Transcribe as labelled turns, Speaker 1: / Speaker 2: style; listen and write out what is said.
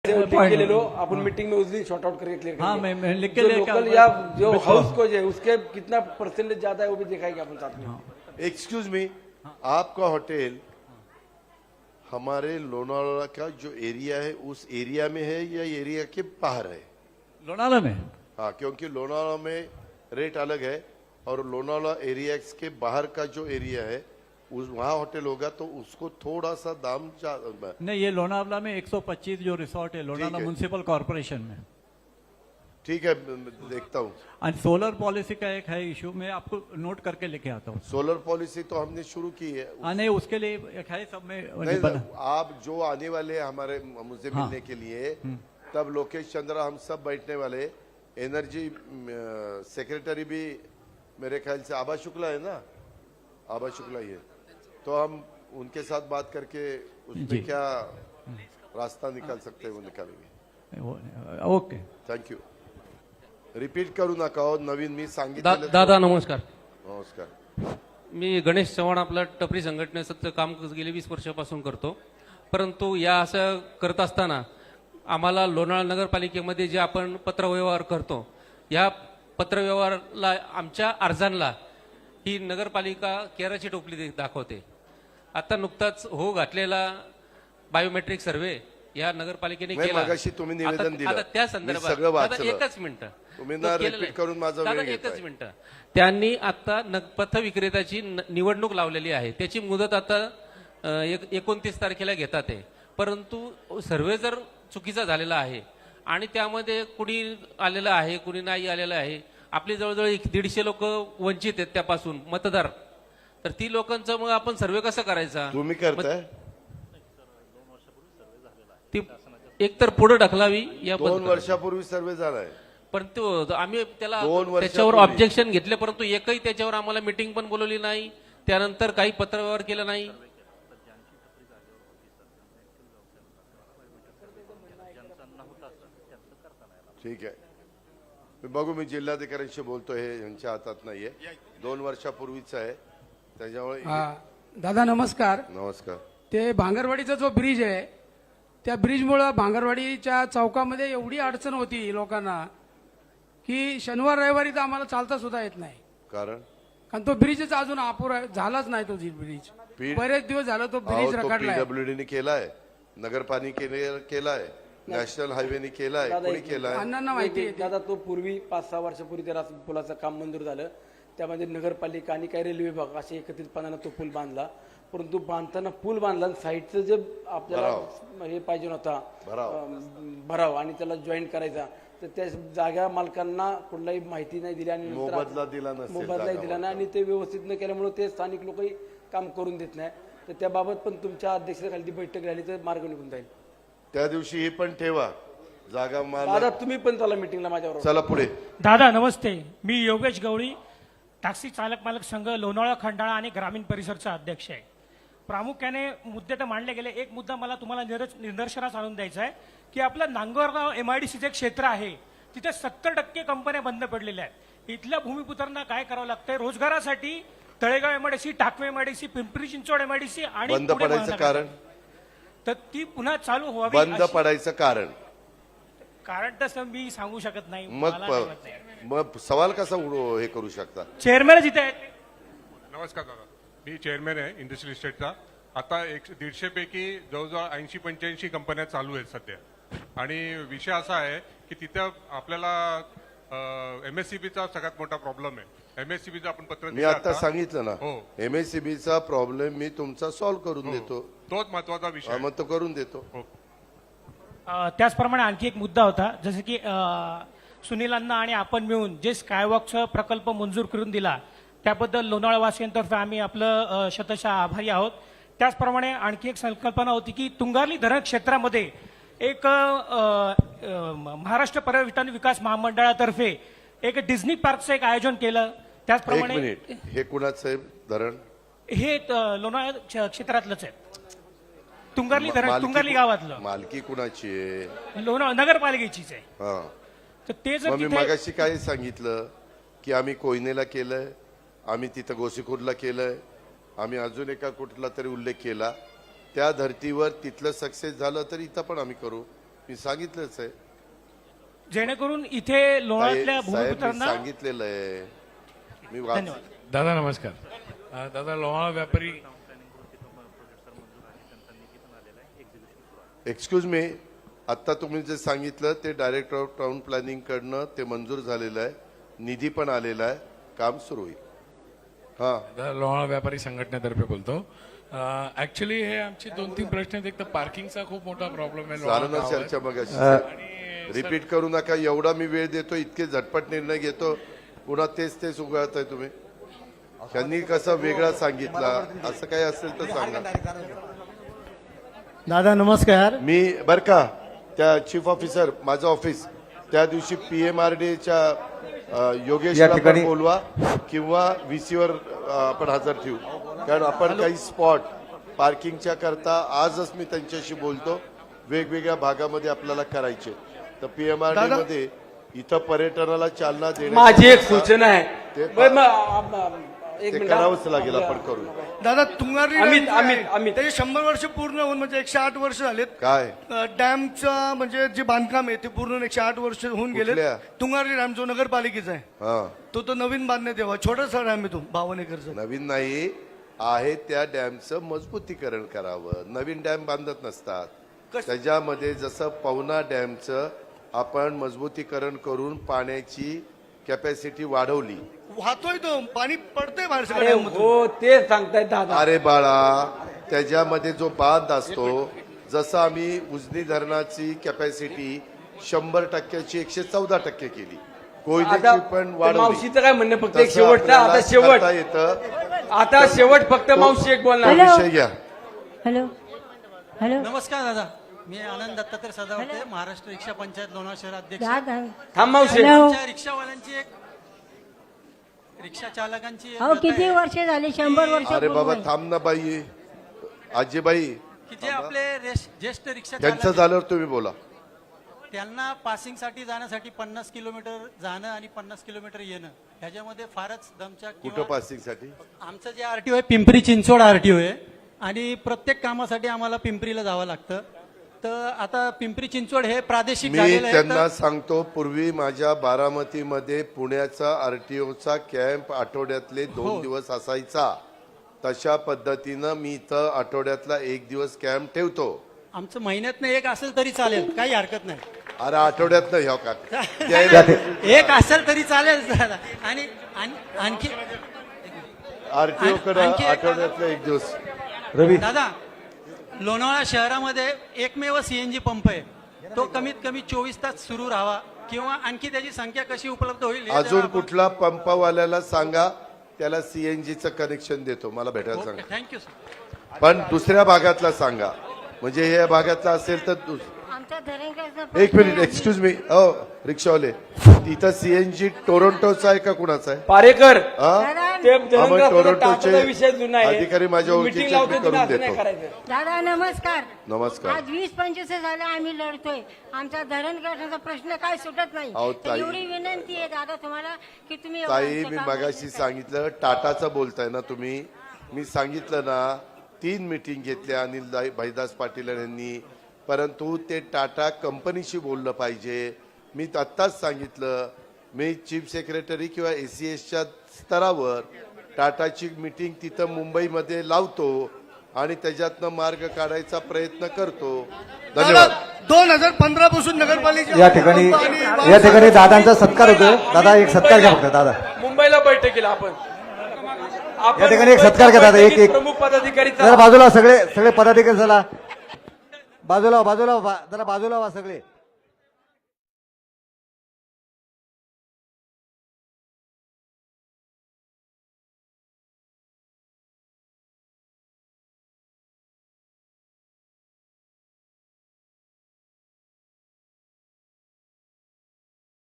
Speaker 1: के low अपन meeting में उस दिन short out करके क्लियर
Speaker 2: हाँ
Speaker 1: करेंगे।
Speaker 2: मैं लिख के
Speaker 1: जो
Speaker 2: लेके
Speaker 1: लोकल या जो हाउस को है उसके कितना परसेंटेज ज्यादा है वो भी दिखाएंगे अपन साथ में।
Speaker 3: एक्सक्यूज मी, आपका होटल हमारे लोनावाला का जो एरिया है उस एरिया में है या एरिया के बाहर है?
Speaker 2: लोनावाला में।
Speaker 3: हाँ, क्योंकि लोनावाला में रेट अलग है और लोनावाला एरिया के बाहर का जो एरिया है उस वहाँ होटल होगा तो उसको थोड़ा सा दाम
Speaker 2: नहीं, ये लोनावाला में 125 जो रिसोर्ट है लोनावाला म्युनिसिपल कॉर्पोरेशन में।
Speaker 3: ठीक है, देखता हूँ।
Speaker 2: और सोलर पॉलिसी का एक है इशू, मैं आपको नोट करके लेके आता हूँ।
Speaker 3: सोलर पॉलिसी तो हमने शुरू की है।
Speaker 2: नहीं, उसके लिए एक है सब में
Speaker 3: नहीं, आप जो आने वाले हमारे मुझसे मिलने के लिए तब लोकेश चंद्रा हम सब बैठने वाले, एनर्जी सेक्रेटरी भी मेरे ख्याल से आभा शुक्ला है ना, आभा शुक्ला ही है, तो हम उनके साथ बात करके उसमें क्या रास्ता निकाल सकते हैं वो निकालेंगे।
Speaker 2: Okay,
Speaker 3: thank you. रिपीट करू नका हो, नवीन मी सांगितलं।
Speaker 4: दादा नमस्कार।
Speaker 3: नमस्कार।
Speaker 4: मी गणेश चव्हाण, आपला टपरी संघटनेचं काम गेले 20 वर्षापासून करतो, परंतु या असं करत असताना आम्हाला लोणावळा नगरपालिकेमध्ये जे आपण पत्रव्यवहार करतो या पत्रव्यवहाराला आमच्या अर्जांना ही नगरपालिका केराची टोपली दाखवते। आता नुकताच हो घातलेला बायोमेट्रिक सर्वे या नगरपालिकेने केला।
Speaker 3: तुम्ही निवेदन दिलं,
Speaker 4: आता त्या संदर्भात एकच मिनिट
Speaker 3: तुम्ही ना रिपीट करून माझा वेळ घेताय।
Speaker 4: एकच मिनिट, त्यांनी आता पथ विक्रेत्याची निवडणूक लावलेली आहे, त्याची मुदत आता 29 तारखेला घेतात आहे, परंतु सर्वे जर चुकीचा झालेला आहे आणि त्यामध्ये कुणी आलेलं आहे कुणी नाही आलेलं आहे, आपली जवळजवळ 150 लोक वंचित आहेत त्यापासून मतदार, तर ती लोकांचं मग आपण सर्वे कसं करायचा?
Speaker 3: तुम्ही करताय?
Speaker 4: ती एक तर पुढे ढकलावी या
Speaker 3: 2 वर्षापूर्वी सर्वे झालाय,
Speaker 4: परंतु आम्ही त्याला
Speaker 3: 2 वर्षापूर्वी
Speaker 4: त्याच्यावर ऑब्जेक्शन घेतले, परंतु एकही त्याच्यावर आम्हाला मीटिंग पण बोलवली नाही, त्यानंतर काही पत्रव्यवहार केला नाही।
Speaker 3: ठीक आहे, मी बघू, मी जिल्हाधिकाऱ्यांशी बोलतो, हे यांच्या हातात नाहीये, 2 वर्षापूर्वीच आहे त्याच्यामुळे।
Speaker 5: दादा नमस्कार।
Speaker 3: नमस्कार।
Speaker 5: ते भांगरवाडीचा जो ब्रिज आहे त्या ब्रिजमुळे भांगरवाडीच्या चौकामध्ये एवढी अडचण होती लोकांना की शनिवार रविवारी तर आम्हाला चालता सुद्धा येत नाही, कारण तो ब्रिजच अजून अपुरा झालाच नाही। तो ब्रिज बरेच दिवस झाला तो ब्रिज रखडलाय।
Speaker 3: पीडब्ल्यूडीने केलाय, नगरपालिकेने केलाय, नॅशनल हायवेने केलाय, कोणी केलाय?
Speaker 5: अण्णांना माहिती आहे
Speaker 1: दादा तो पूर्वी 5-6 वर्षापूर्वी त्या पुलाचं काम मंजूर झालं, त्यामध्ये नगरपालिका आणि काही रेल्वे विभाग असे एकत्रितपणानं तो पूल बांधला, परंतु बांधताना पूल बांधला साईडचं जे आपल्याला हे पाहिजे होता भराव आणि त्याला जॉईंट करायचा, तर त्या जागा मालकांना कुठलाही माहिती नाही दिली आणि
Speaker 3: मोबदला दिला
Speaker 1: नाही आणि ते व्यवस्थित न केल्यामुळे ते स्थानिक लोकही काम करून देत नाही, तर त्याबाबत पण तुमच्या अध्यक्षतेखाली बैठक झाली तर मार्ग निघून जाईल।
Speaker 3: त्या दिवशी हे पण ठेवा जागा
Speaker 1: दादा, तुम्ही पण चला मीटिंगला माझ्यावर।
Speaker 3: चला पुढे।
Speaker 6: दादा नमस्ते, मी योगेश गवळी, टॅक्सी चालक मालक संघ लोणावळा खंडाळा आणि ग्रामीण परिसरचा अध्यक्ष आहे। प्रामुख्याने मुद्दे तर मांडले गेले, एक मुद्दा मला तुम्हाला निदर्शनास आणून द्यायचा आहे की आपलं नांगरगाव MIDCचे क्षेत्र आहे, तिथे 70% कंपन्या बंद पडलेल्या आहेत। इथल्या भूमिपुत्रांना काय करावं लागतंय? रोजगारासाठी Talegaon MIDC, टाकवे MIDC, Pimpri Chinchwad MIDC आणि
Speaker 3: बंद पडायचं कारण,
Speaker 6: तर ती पुन्हा चालू व्हावी।
Speaker 3: बंद पडायचं
Speaker 6: कारण तसं मी सांगू शकत नाही,
Speaker 3: मग सवाल कसा हे करू शकता?
Speaker 6: चेअरमॅन जिथे आहेत।
Speaker 7: नमस्कार दादा, मी चेअरमॅन आहे इंडस्ट्रियल इस्टेटचा। आता 150 पैकी जवळजवळ 80-85 कंपन्या चालू आहेत सध्या, आणि विषय असा आहे की तिथं आपल्याला MSCBचा सगळ्यात मोठा प्रॉब्लेम आहे। MSCBचं आपण पत्र
Speaker 3: मी आता सांगितलं ना, MSCBचा प्रॉब्लेम मी तुमचा सॉल्व्ह करून देतो,
Speaker 7: तोच महत्वाचा विषय,
Speaker 3: मग तो करून देतो।
Speaker 6: त्याचप्रमाणे आणखी एक मुद्दा होता, जसं की सुनीलांना आणि आपण मिळून जे स्कायवॉकचा प्रकल्प मंजूर करून दिला त्याबद्दल लोणावळावासियांतर्फे आम्ही आपलं शतशः आभारी आहोत। त्याचप्रमाणे आणखी एक संकल्पना होती की तुंगारली धरण क्षेत्रामध्ये एक महाराष्ट्र पर्यटन विकास महामंडळातर्फे एक डिझनी पार्कचं एक आयोजन केलं। त्याचप्रमाणे
Speaker 3: हे कुणाचं आहे धरण?
Speaker 6: हे लोणावळा क्षेत्रातलंच आहे, तुंगारली धरण, तुंगारली गावातलं।
Speaker 3: मालकी कुणाची आहे?
Speaker 6: लोणावळा नगरपालिकेचीच आहे। तर ते जर
Speaker 3: मी मगाशी काय सांगितलं की आम्ही कोयनेला केलंय, आम्ही तिथं गोसीखुर्दला केलंय, आम्ही अजून एका कुठला तरी उल्लेख केला, त्या धर्तीवर तिथलं सक्सेस झालं तर इथं पण आम्ही करू। मी सांगितलंच आहे
Speaker 6: जेणेकरून इथे लोणावळ्यातल्या
Speaker 3: साहेब, मी
Speaker 6: भूमिपुत्रांना
Speaker 3: सांगितलेलं आहे मी
Speaker 6: धन्यवाद.
Speaker 8: दादा नमस्कार. दादा लोणावळा व्यापारी
Speaker 3: एक्सक्यूज मी, आता तुम्ही जे सांगितलं ते डायरेक्टर ऑफ टाउन प्लॅनिंग कडनं ते मंजूर झालेलं आहे, निधी पण आलेला आहे, काम सुरू होईल. हा
Speaker 8: दादा लोणावळा व्यापारी संघटनेतर्फे बोलतो. ऍक्च्युली हे आमचे 2-3 प्रश्न आहेत. एक तर पार्किंगचा खूप मोठा प्रॉब्लेम आहे
Speaker 3: झालं ना
Speaker 8: लोणावळा
Speaker 3: चर्चा
Speaker 8: गावात.
Speaker 3: मग
Speaker 8: आणि
Speaker 3: रिपीट करू नका. एवढा मी वेळ देतो, इतके झटपट निर्णय घेतो, पुन्हा तेच उगाळताय तुम्ही. त्यांनी कसं वेगळा सांगितला, असं काही असेल तर सांगा.
Speaker 9: दादा नमस्कार.
Speaker 3: मी बर का त्या चीफ ऑफिसर माझं ऑफिस त्या दिवशी PMRDच्या योगेशला पण बोलवा किंवा VC वर आपण हजर ठेवू, कारण आपण काही स्पॉट पार्किंगच्या करता आजच मी त्यांच्याशी बोलतो, वेगवेगळ्या भागामध्ये आपल्याला करायचे. तर PMRD मध्ये इथं पर्यटनाला चालना देणे
Speaker 1: माझी एक सूचना आहे.
Speaker 3: ते
Speaker 1: बरं, मग, एक
Speaker 3: ते
Speaker 1: मिनिट.
Speaker 3: करावंच लागेल, आपण करू.
Speaker 5: दादा तुंगारी
Speaker 1: अमित,
Speaker 5: डॅम जे आहे,
Speaker 1: अमित.
Speaker 5: त्याचे 100 वर्ष पूर्ण होऊन म्हणजे 108 वर्ष झालेत.
Speaker 3: काय
Speaker 5: डॅमचं म्हणजे जे बांधकाम आहे ते पूर्ण 108 वर्ष होऊन गेले.
Speaker 3: कुठल्या?
Speaker 5: तुंगारी डॅम जो नगरपालिकेचा आहे
Speaker 3: हा
Speaker 5: तो नवीन बांधण्यात यावा. छोटासा डॅम आहे तो 52 एकरचा.
Speaker 3: नवीन नाही आहे, त्या डॅमचं मजबूतीकरण करावं. नवीन डॅम बांधत नसतात. त्याच्यामध्ये जसं पवना डॅमचं आपण मजबूतीकरण करून पाण्याची कॅपॅसिटी वाढवली.
Speaker 5: वाहतोय तो पाणी पडतंय बाहेर
Speaker 1: अरे
Speaker 5: सगळ्या डॅममधून.
Speaker 1: हो, ते सांगतायत दादा.
Speaker 3: अरे बाळा, त्याच्यामध्ये जो बांध असतो, जसं आम्ही उजनी धरणाची कॅपॅसिटी 100%ची 114% केली,
Speaker 1: आता
Speaker 3: कोयनेची पण वाढवली.
Speaker 1: मावशीचं काय म्हणणं, फक्त एक
Speaker 3: तसं
Speaker 1: शेवटचा,
Speaker 3: आपल्याला
Speaker 1: आता शेवट,
Speaker 3: करता येतं.
Speaker 1: आता शेवट फक्त मावशी एक बोलणार.
Speaker 3: तो विषय घ्या.
Speaker 9: हॅलो हॅलो
Speaker 10: नमस्कार दादा, मी आनंद दत्तात्रय सदावर्ते, महाराष्ट्र रिक्षा पंचायत लोणावळा शहर अध्यक्ष.
Speaker 9: दादा
Speaker 1: थांब मावशी.
Speaker 10: आमच्या रिक्षावाल्यांची एक रिक्षा चालकांची एक
Speaker 9: अहो
Speaker 10: व्यथा
Speaker 9: किती
Speaker 10: आहे
Speaker 9: वर्ष झाली? 100 वर्ष
Speaker 3: अरे
Speaker 9: पूर्ण
Speaker 3: बाबा
Speaker 9: आहे.
Speaker 3: थांब ना बाई, आजीबाई,
Speaker 10: की जे आपले ज्येष्ठ रिक्षा
Speaker 3: त्यांचं
Speaker 10: चालक आहेत,
Speaker 3: झाल्यावर तुम्ही बोला.
Speaker 10: त्यांना पासिंगसाठी जाण्यासाठी 50 किलोमीटर जाणं आणि 50 किलोमीटर येणं, ह्याच्यामध्ये फारच दमछाक.
Speaker 3: कुठं पासिंगसाठी?
Speaker 10: आमचं जे RTO आहे पिंपरी चिंचवड RTO आहे आणि प्रत्येक कामासाठी आम्हाला पिंपरीला जावं लागतं. तर आता पिंपरी चिंचवड हे प्रादेशिक
Speaker 3: मी
Speaker 10: झालेलं आहे.
Speaker 3: त्यांना
Speaker 10: तर
Speaker 3: सांगतो, पूर्वी माझ्या बारामतीमध्ये पुण्याचा RTOचा कॅम्प आठवड्यातले 2 दिवस असायचा. तशा पद्धतीनं मी इथं आठवड्यातला 1 दिवस कॅम्प ठेवतो.
Speaker 10: आमचं महिन्यातनं एक असेल तरी चालेल, काही हरकत नाही.
Speaker 3: अरे आठवड्यात नाही, हो का
Speaker 10: एक असेल तरी चालेल दादा. आणि आणखी
Speaker 3: RTO कडे
Speaker 10: आणखी एक-
Speaker 3: आठवड्यातला 1 दिवस.
Speaker 10: दादा, लोणावळा शहरामध्ये एकमेव CNG पंप आहे, तो कमीत कमी 24 तास सुरू राहावा किंवा आणखी त्याची संख्या कशी उपलब्ध होईल हे
Speaker 3: अजून
Speaker 10: जरा आपण-
Speaker 3: कुठला पंपवाल्याला सांगा, त्याला CNGचं कनेक्शन देतो, मला भेटायला सांगा.
Speaker 10: Thank you sir.
Speaker 3: पण दुसऱ्या भागातला सांगा, म्हणजे या भागातला असेल तर
Speaker 9: आमचा धरणगावचा
Speaker 3: एक
Speaker 9: प्रश्न
Speaker 3: मिनिट,
Speaker 9: आहे.
Speaker 3: Excuse me. रिक्षावाले, तिथं CNG टोरंटोचा आहे का कुणाचा आहे?
Speaker 1: पारेकर,
Speaker 3: हा?
Speaker 9: दादा
Speaker 1: ते
Speaker 3: हा, मग
Speaker 1: धरणगाव
Speaker 3: टोरंटोचे
Speaker 1: विषय जुना आहे.
Speaker 3: अधिकारी माझ्या
Speaker 1: Meeting
Speaker 3: ओळखीचे
Speaker 1: लावतो
Speaker 3: मी
Speaker 1: तुम्ही,
Speaker 3: करून
Speaker 1: असं नाही
Speaker 3: देतो.
Speaker 1: करायचं.
Speaker 9: दादा नमस्कार.
Speaker 3: नमस्कार.
Speaker 9: आज 20-25 झाले आम्ही लढतोय. आमचा धरणगावचा प्रश्न काय सुटत नाही.
Speaker 3: अहो,
Speaker 9: तर
Speaker 3: ताई.
Speaker 9: एवढी विनंती आहे दादा तुम्हाला की तुम्ही एवढं
Speaker 3: ताई,
Speaker 9: आमचं
Speaker 3: मी
Speaker 9: काम
Speaker 3: मगाशी
Speaker 9: करा.
Speaker 3: सांगितलं, टाटाचं बोलताय ना तुम्ही. मी सांगितलं ना, 3 मीटिंग घेतल्या अनिल भाईदास पाटील यांनी, परंतु ते टाटा कंपनीशी बोललं पाहिजे. मी आत्ताच सांगितलं, मी चीफ सेक्रेटरी किंवा ACSच्या स्तरावर टाटाची मीटिंग तिथं मुंबईमध्ये लावतो आणि त्याच्यातनं मार्ग काढायचा प्रयत्न करतो. धन्यवाद.
Speaker 5: 2015 पासून नगरपालिका
Speaker 11: या ठिकाणी दादांचा सत्कार होतो. दादा एक सत्कार घ्या फक्त. दादा
Speaker 1: मुंबईला बैठकीला आपण
Speaker 11: या ठिकाणी एक सत्कार घ्या दादा. एक
Speaker 1: प्रमुख पदाधिकारी
Speaker 11: जरा बाजूला सगळे पदाधिकारी, चला बाजूला जरा बाजूला व्हा सगळे.